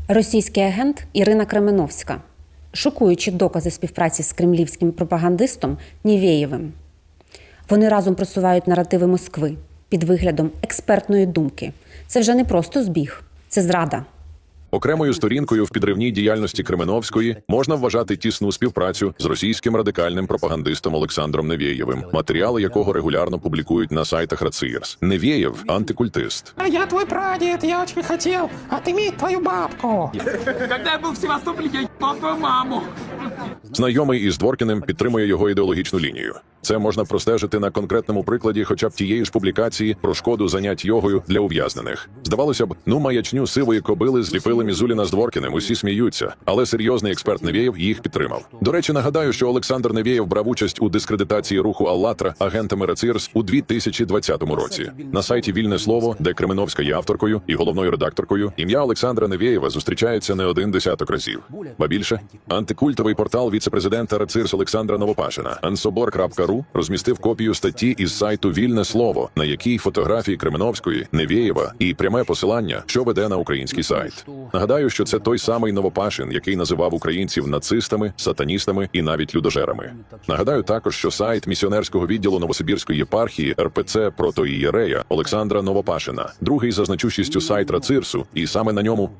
Російський агент Ірина Кременовська. Шокуючі докази співпраці з кремлівським пропагандистом Нєвєєвим. Вони разом просувають наративи Москви під виглядом експертної думки. Це вже не просто збіг, це зрада. Окремою сторінкою в підривній діяльності Кременовської можна вважати тісну співпрацю з російським радикальним пропагандистом Олександром Нєвєєвим, матеріали якого регулярно публікують на сайтах РАЦИРС. Нєвєєв – антикультист. А я твой прадед, я очень хотел отыметь твою бабку. Когда я был в Севастополе, я ебал твою маму. Знайомий із Дворкіним підтримує його ідеологічну лінію. Це можна простежити на конкретному прикладі хоча б тієї ж публікації про шкоду занять йогою для ув'язнених. Здавалося б, маячню сивої кобили зліпили Мізуліна з Дворкіним, усі сміються, але серйозний експерт Нєвєєв їх підтримав. До речі, нагадаю, що Олександр Нєвєєв брав участь у дискредитації руху «АЛЛАТРА» агентами РАЦИРС у 2020 році. На сайті «Вільне слово», де Кременовська є авторкою і головною редакторкою, ім'я Олександра Нєвєєва зустрічається не один десяток разів. Ба більше, антикультовий портал віце-президента РАЦИРС Олександра Новопашина ansobor.ru розмістив копію статті із сайту «Вільне слово», на якій фотографії Кременовської, Нєвєєва і пряме посилання, що веде на український сайт. Нагадаю, що це той самий Новопашин, який називав українців нацистами, сатаністами і навіть людожерами. Нагадаю також, що сайт місіонерського відділу Новосибірської єпархії РПЦ протоієрея Олександра Новопашина, другий за значущістю сайт РАЦИРСу, і саме на ньому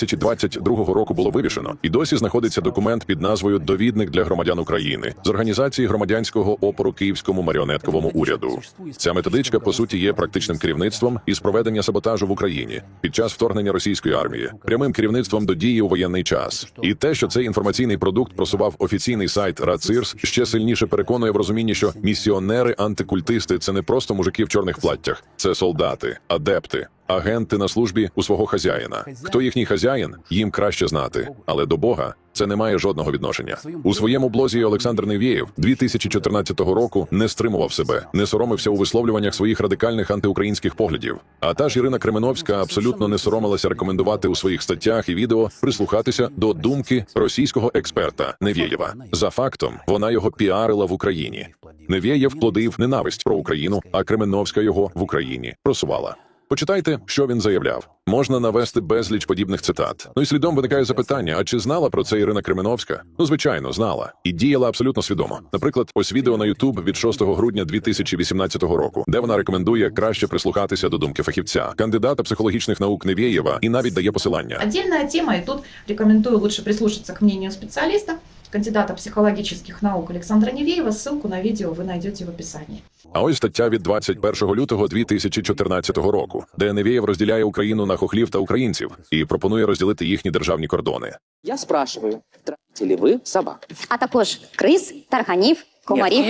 2022 року було вивішено. І досі знаходиться документ під назвою «Довідник для громадян України» з організації громадянського опору Київському маріонетковому уряду. Ця методичка, по суті, є практичним керівництвом із проведення саботажу в Україні під час вторгнення російської армії, прямим керівництвом до дії у воєнний час. І те, що цей інформаційний продукт просував офіційний сайт РАЦИРС, ще сильніше переконує в розумінні, що місіонери-антикультисти – це не просто мужики в чорних платтях, це солдати, адепти, агенти на службі у свого хазяїна. Хто їхній хазяїн, їм краще знати, але до Бога це не має жодного відношення. У своєму блозі Олександр Нєвєєв 2014 року не стримував себе, не соромився у висловлюваннях своїх радикальних антиукраїнських поглядів. А та ж Ірина Кременовська абсолютно не соромилася рекомендувати у своїх статтях і відео прислухатися до думки російського експерта Нєвєєва. За фактом, вона його піарила в Україні. Нєвєєв плодив ненависть про Україну, а Кременовська його в Україні просувала. Почитайте, що він заявляв. Можна навести безліч подібних цитат. І слідом виникає запитання, а чи знала про це Ірина Кременовська? Звичайно, знала. І діяла абсолютно свідомо. Наприклад, ось відео на YouTube від 6 грудня 2018 року, де вона рекомендує краще прислухатися до думки фахівця, кандидата психологічних наук Нєвєєва, і навіть дає посилання. Отдельная тема, и тут рекомендую лучше прислушаться к мнению специалиста, кандидата психологических наук Александра Нєвєєва. Ссылку на видео вы найдете в описании. А ось стаття від 21 лютого 2014 року, де Нєвєєв розділяє Україну на хохлів та українців і пропонує розділити їхні державні кордони. Я спрашиваю, тратите ли вы собак? А також криз, тарганів, комарів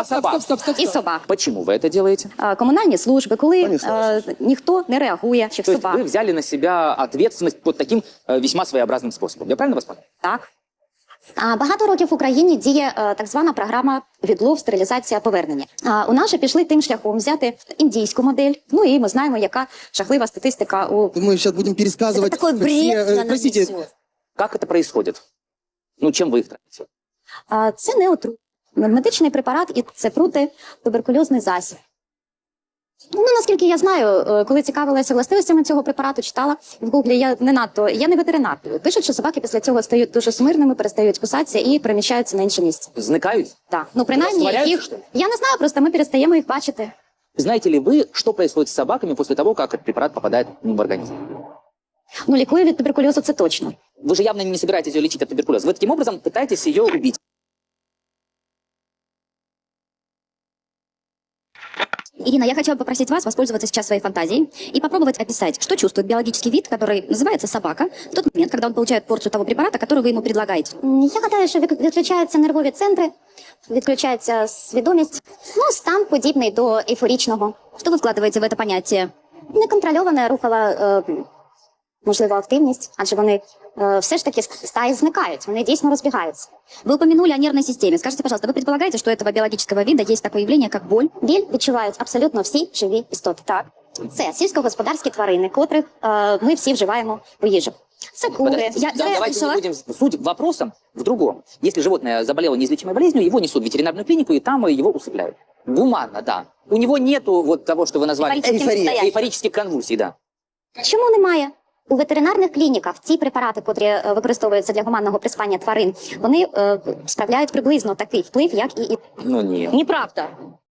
і собак. Почему вы это делаете? Комунальні служби, коли ніхто не реагує, чи в То есть собак. вы взяли на себя ответственность вот таким весьма своеобразным способом. Я правильно вас понял? Так. Багато років в Україні діє так звана програма «Відлов, стерилізація, повернення». У нас же пішли тим шляхом взяти індійську модель. Ну і ми знаємо, яка жахлива статистика у... Мы сейчас будем пересказывать. Это такой бред. Простите. Как это происходит? Ну, чем вы их тратите? Це не отрут. Медичний препарат і це протитуберкульозний засіб. Ну, наскільки я знаю, коли цікавилася властивостями цього препарату, читала в Гуглі, я не ветеринар. Пишуть, що собаки після цього стають дуже смирними, перестають кусатися і переміщаються на інше місце. Зникають? Так. Ну, принаймні, їх... Я не знаю, просто ми перестаємо їх бачити. Знаете ли вы, что происходит с собаками после того, как этот препарат попадает в организм? Ну, лікує від туберкульозу, це точно. Вы же явно не собираетесь ее лечить от туберкулеза. Вы таким образом пытаетесь ее убить. Ирина, я хотела бы попросить вас воспользоваться сейчас своей фантазией и попробовать описать, что чувствует биологический вид, который называется собака, в тот момент, когда он получает порцию того препарата, который вы ему предлагаете. Я гадаю, що відключаються нервові центри, відключається свідомість, ну, стан подібний до ейфорічного. Що ви вкладаєте в це поняття? Неконтрольована рухова, можливо, активність, адже вони все ж таки стаї зникають, вони дійсно розбігаються. Вы упомянули о нервной системе. Скажите, пожалуйста, вы предполагаете, что у этого биологического вида есть такое явление, как боль? Біль відчувають абсолютно всі живі істоти. Так. Це сільськогосподарські тварини, котрих ми всі вживаємо у їжу. Це кури. Давайте не будем... Суть вопроса в другом. Если животное заболело неизлечимой болезнью, его несут в ветеринарную клинику, и там его усыпляют. Гуманно, да. У него нету вот того, что вы назвали эйфорических конвульсий, да. Чому немає? У ветеринарних клініках ці препарати, котрі використовуються для гуманного приспання тварин, вони справляють приблизно такий вплив, як і... Ну, нет. Неправда.